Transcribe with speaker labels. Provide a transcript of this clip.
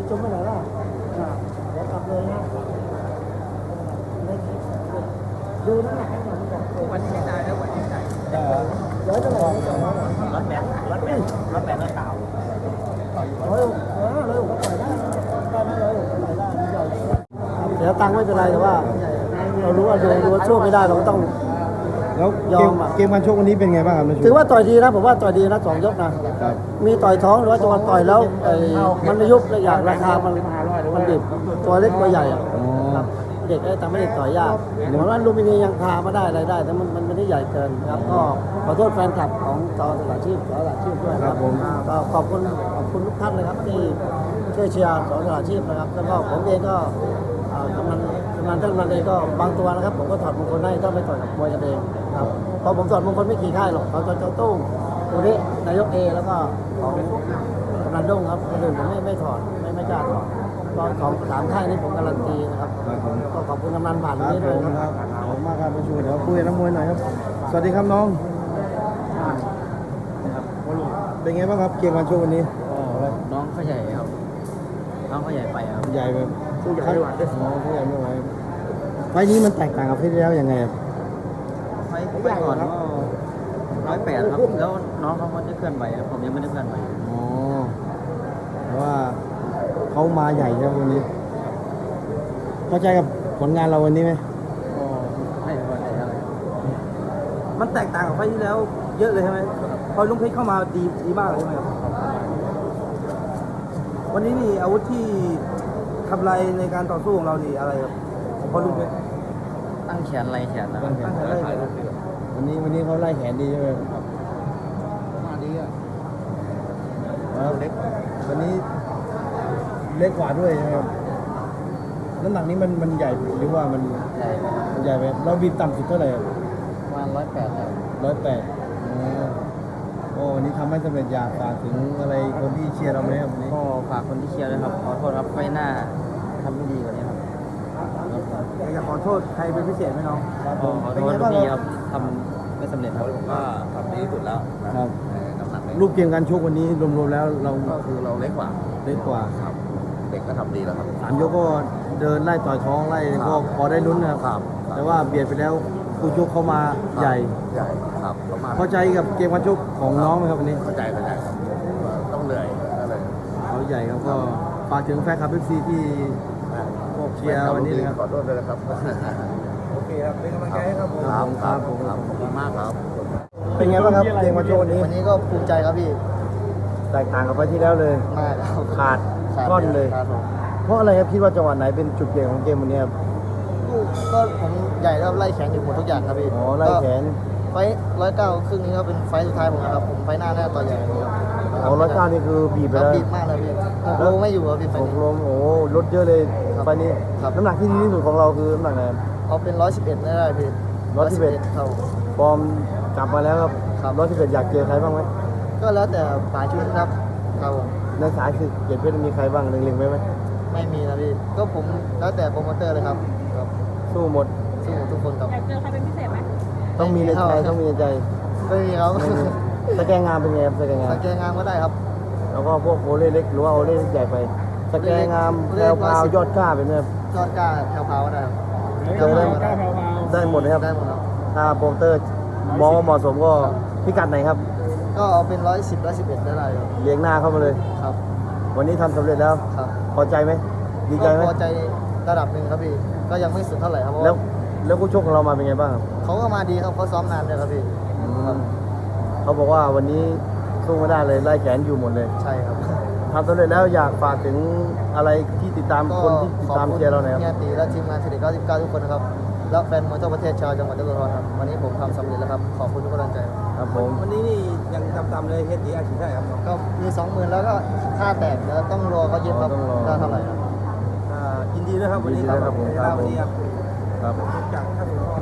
Speaker 1: จุ่มไปไหนล่ะเดี๋ยวกลับเลยนะดูน้ำหนักให้หน่อยวันนี้ได้แล้ววันนี้ได้เดี๋ยวจะไหนรถแบนแล้วเต่าเลยก็ปล่อยได้เลยปล่อยได้ใหญ่เดี๋ยวตังค์ไม่เป็นไรแต่ว่าเรารู้ว่าดูช่วงไม่ได้เราก็ต้อง
Speaker 2: แล้วเกมการชกวันนี้เป็นไงบ้างครับ
Speaker 1: ถือว่าต่อยดีนะผมว่าต่อยดีนะ2 ยกนะมีต่อยท้องหรือว่าจังหวะต่อยแล้วมันไม่ยุบเลยอย่างราคามันดิบตัวเล็กตัวใหญ่ครับเด็กแต่ไม่ได้ต่อยยากเหมือนว่าลูมินียังพามาได้อะไรได้แต่มันไม่ได้ใหญ่เกินครับก็ขอโทษแฟนคลับของจอสลัดชีพด้วยครับก็ขอบคุณทุกท่านเลยครับที่ช่วยเชียร์จอสลัดชีพนะครับแล้วก็ผมเองก็กำนันท่านมันเองก็บางตัวนะครับผมก็ถอดมงคลให้ต้องไปต่อยกับมวยกันเองครับเพราะผมถอดมงคลไม่กี่ค่ายหรอกเขาจะตู้ตัวนี้นายกเอแล้วก็ของกำนันด้งครับคนอื่นผมไม่ถอดไม่กล้าถอดตอนของ3 ค่ายนี้ผมการันตีนะครับก็ขอบคุณกำนันผ่านนี้ด้วยครับ
Speaker 2: ขอบคุณมากครับประชูเดี๋ยวคุยกับนักมวยหน่อยครับสวัสดีครับน้องเป็นไงบ้างครับเกมการชกวันนี้
Speaker 3: น้องเขาใหญ่ครับน้องเขาใหญ่ไปครับ
Speaker 2: ใหญ่แบบ
Speaker 1: สู้ใหญ่ไม่ไหว
Speaker 2: สู้ใหญ่ไม่ไหวไฟนี้มันแตกต่างกับไฟที่แล้วยังไงครับ
Speaker 3: ไฟก่อนก็108ครับแล้วน้องเขาไม่ได้เคลื่อนไหวผมยังไม่ได้เคลื่อนไหว
Speaker 2: อ๋อแต่ว่าเขามาใหญ่ใช่ไหมวันนี้เข้าใจกับผลงานเราวันนี้ไหม
Speaker 3: ไม่พอใจอะไรมันแตกต่างกับไฟที่แล้วเยอะเลยใช่ไหมพอลุงเพชรเข้ามาดีมากเลยใช่ไหมครับวันนี้นี่อาวุธที่ทำลายในการต่อสู้ของเรานี่อะไรครับพอลุงเพชรตั้งแขนไรแขนนะ
Speaker 2: วันนี้เขาไล่แขนดีใช่ไหมครับ
Speaker 3: มาดีอ่ะ
Speaker 2: เล็กวันนี้เล็กกว่าด้วยใช่ไหมครับน้ำหนักนี้มันใหญ่หรือว่ามันใหญ่ไหมเราบีบต่ำสุดเท่าไหร่
Speaker 3: ประมาณ108ครับ
Speaker 2: 108โอ้วันนี้ทำให้สำเร็จอยากฝากถึงอะไรคนที่เชียร์เราไหมครับวันนี้
Speaker 3: ก็ฝากคนที่เชียร์เลยครับขอโทษครับไฟหน้าทำไม่ดีกว่านี้ครับ
Speaker 1: อยากขอโทษใครเป็นพิเศษไหมน้อง
Speaker 3: ขอโทษลูกพี่ครับทำไม่สำเร็จครับ
Speaker 4: ผมก็ทำดีที่สุดแล้ว
Speaker 2: ครับรูปเกมการชกวันนี้รวมๆแล้วเรา
Speaker 4: ก็คือเราเล็กกว่าครับเด็กก็ทำดีแล้วครับ
Speaker 2: 3 ยกก็เดินไล่ต่อยท้องไล่ก็พอได้ลุ้นนะครับแต่ว่าเบียดไปแล้วคู่ชกเขามาใหญ่
Speaker 4: ครับ
Speaker 2: เข้าใจกับเกมการชกของน้องไหมครับวันนี้
Speaker 4: เข้าใจครับต้องเหนื่อยอะไร
Speaker 2: เขาใหญ่ครับก็ฝากถึงแฟนคลับFCที่เชียร์วันนี้นะครับ
Speaker 4: ขอโทษด้วยนะครับ
Speaker 1: โอเคครับเป็นกำลังใจให้ครับผม
Speaker 4: ครับขอบคุณมากครับ
Speaker 2: เป็นไงบ้างครับเกมการชกวัน
Speaker 1: นี้ก็ภูมิใจครับพี่
Speaker 2: แตกต่างกับไปที่แล้วเลย
Speaker 1: มาก
Speaker 2: ขาดก้อนเลยเพราะอะไรครับคิดว่าจังหวะไหนเป็นจุดเปลี่ยนของเกมวันนี้ครับ
Speaker 1: ก็ผมใหญ่แล้วไล่แขนอยู่หมดทุกอย่างครับพี่
Speaker 2: อ๋อไล่แขน
Speaker 1: ไฟ109ครึ่งนี้ก็เป็นไฟสุดท้ายผมนะครับผมไฟหน้าต่อใหญ่ครับ
Speaker 2: อ๋อ109นี่คือบีบไปแล้ว
Speaker 1: บีบมากเลยพี่โลไม่อยู่ครับพี่ไฟนี้
Speaker 2: ลมโอ้ลดเยอะเลยไฟนี้น้ำหนักที่ดีที่สุดของเราคือน้ำหนักไหน
Speaker 1: เอาเป็น111ได้พี่
Speaker 2: 111
Speaker 1: เท่า
Speaker 2: ฟอร์มกลับมาแล้วครับ111อยากเจอใครบ้างไหม
Speaker 1: ก็แล้วแต่ปลายชุดครับ
Speaker 2: ในสายคือเกียรติเพชรมีใครบ้างเล็งๆไหม
Speaker 1: ไม่มีนะพี่ก็ผมแล้วแต่โปรโมเตอร์เลยครับ
Speaker 2: สู้หมด
Speaker 1: ทุกคนครับ
Speaker 5: อยากเจอใครเป็นพิเศษไหม
Speaker 2: ต้องมีในใจไม่
Speaker 1: มีครับ
Speaker 2: สแกนงามเป็นไงครับสแกน
Speaker 1: งามก็ได้ครับ
Speaker 2: แล้วก็พวกโอเล่เล็กหรือว่าโอเล่ใหญ่ไปสแกนงามแพรวพาวยอดกล้าเป็นไง
Speaker 1: ยอดกล้าแพรวพาวก็ได้
Speaker 2: ได้หมดเลยครับ
Speaker 1: ได้หมดครับ
Speaker 2: ถ้าโปรโมเตอร์มองว่าเหมาะสมก็พิกัดไหนครับ
Speaker 1: ก็เอาเป็น110 111ได้ครับ
Speaker 2: เลี้ยงหน้าเข้ามาเลย
Speaker 1: ครับ
Speaker 2: วันนี้ทำสำเร็จแล้วพอใจไหมดีใจไหม
Speaker 1: พอใจระดับหนึ่งครับพี่ก็ยังไม่สุดเท่าไหร่ครับ
Speaker 2: แล้วคู่ชกของเรามาเป็นไงบ้าง
Speaker 1: เขาก็มาดีครับเขาซ้อมนานเลยครับพี่
Speaker 2: เขาบอกว่าวันนี้สู้ไม่ได้เลยไล่แขนอยู่หมดเลย
Speaker 1: ใช่ครับ
Speaker 2: ทำสำเร็จแล้วอยากฝากถึงอะไรที่ติดตามคนที่ติดตามเชียร์เราหน่อยครับ
Speaker 1: เฮียตีและทีมงานเฉลี่ย99ทุกคนนะครับและแฟนมวยทั่วประเทศชาวจังหวัดยโสธรครับวันนี้ผมทำสำเร็จแล้วครับขอบคุณทุกกำลังใจ
Speaker 2: ครับผม
Speaker 3: วันนี้นี่ยังต่ำๆเลยเฮียตีอาชีพได้ครับ
Speaker 1: ก็มี 20,000แล้วก็ค่าแตกแล้วต้องรอเขาเย็บครับได้เท่าไหร่ครับ
Speaker 3: ยินดีด้วยครับวันนี้
Speaker 2: ครับผม
Speaker 3: ครับจาก